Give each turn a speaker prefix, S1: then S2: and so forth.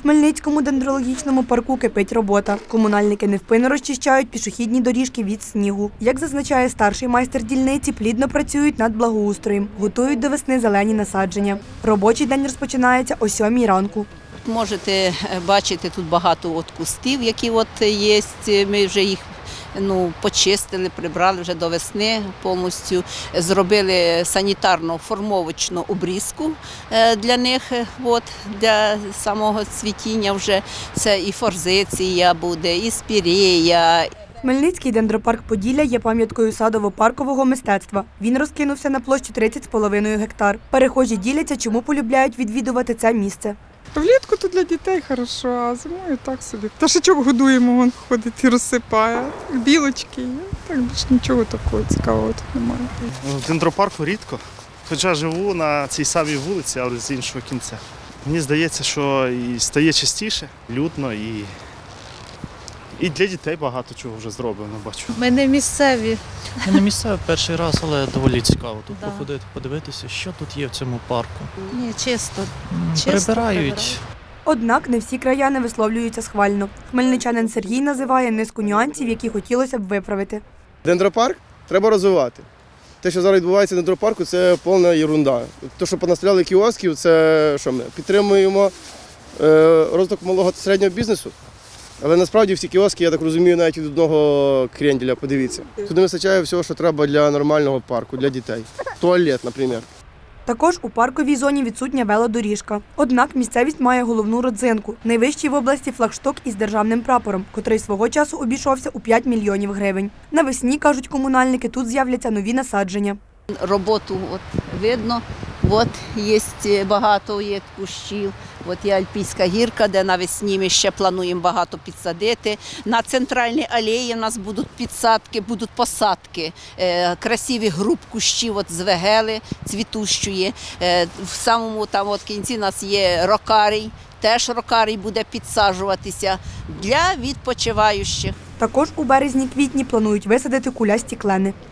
S1: Хмельницькому дендрологічному парку кипить робота. Комунальники невпинно розчищають пішохідні доріжки від снігу. Як зазначає старший майстер дільниці, плідно працюють над благоустроєм, готують до весни зелені насадження. Робочий день розпочинається о 7 ранку.
S2: Можете бачити тут багато кустів, які є. Ми вже їх почистили, прибрали вже до весни повністю. Зробили санітарно-формовочну обрізку для них, для самого цвітіння вже. Це і форзиція буде, і спірея.
S1: Хмельницький дендропарк Поділля є пам'яткою садово-паркового мистецтва. Він розкинувся на площі 30,5 гектар. Перехожі діляться, чому полюбляють відвідувати це місце.
S3: Влітку то для дітей хорошо, а зимою так собі. Пташечок годуємо, він ходить і розсипає. Білочки є. Так більш нічого такого цікавого тут немає.
S4: В дендропарку рідко, хоча живу на цій самій вулиці, але з іншого кінця. Мені здається, що і стає частіше, людно і для дітей багато чого вже зроблено, бачу.
S5: Ми не місцеві.
S6: Я не місцевий перший раз, але доволі цікаво тут походити, подивитися, що тут є в цьому парку.
S5: Ні, чисто.
S6: Прибирають.
S1: Однак не всі краяни висловлюються схвально. Хмельничанин Сергій називає низку нюансів, які хотілося б виправити.
S7: Дендропарк треба розвивати. Те, що зараз відбувається в дендропарку, це повна єрунда. Те, що понастріляли кіосків, це що ми підтримуємо розвиток малого та середнього бізнесу. Але насправді всі кіоски, я так розумію, навіть від одного кренделя, подивіться. Тут не вистачає всього, що треба для нормального парку, для дітей. Туалет, наприклад.
S1: Також у парковій зоні відсутня велодоріжка. Однак місцевість має головну родзинку – найвищий в області флагшток із державним прапором, котрий свого часу обійшовся у 5 мільйонів гривень. Навесні, кажуть комунальники, тут з'являться нові насадження.
S2: Роботу видно, є багато кущів. Є Альпійська гірка, де навесні ми ще плануємо багато підсадити. На центральній алеї у нас будуть підсадки, будуть посадки. Красиві груп кущів з вегели цвітущої. В самому кінці у нас є рокарій. Теж рокарій буде підсаджуватися для відпочиваючих.
S1: Також у березні-квітні планують висадити кулясті клени.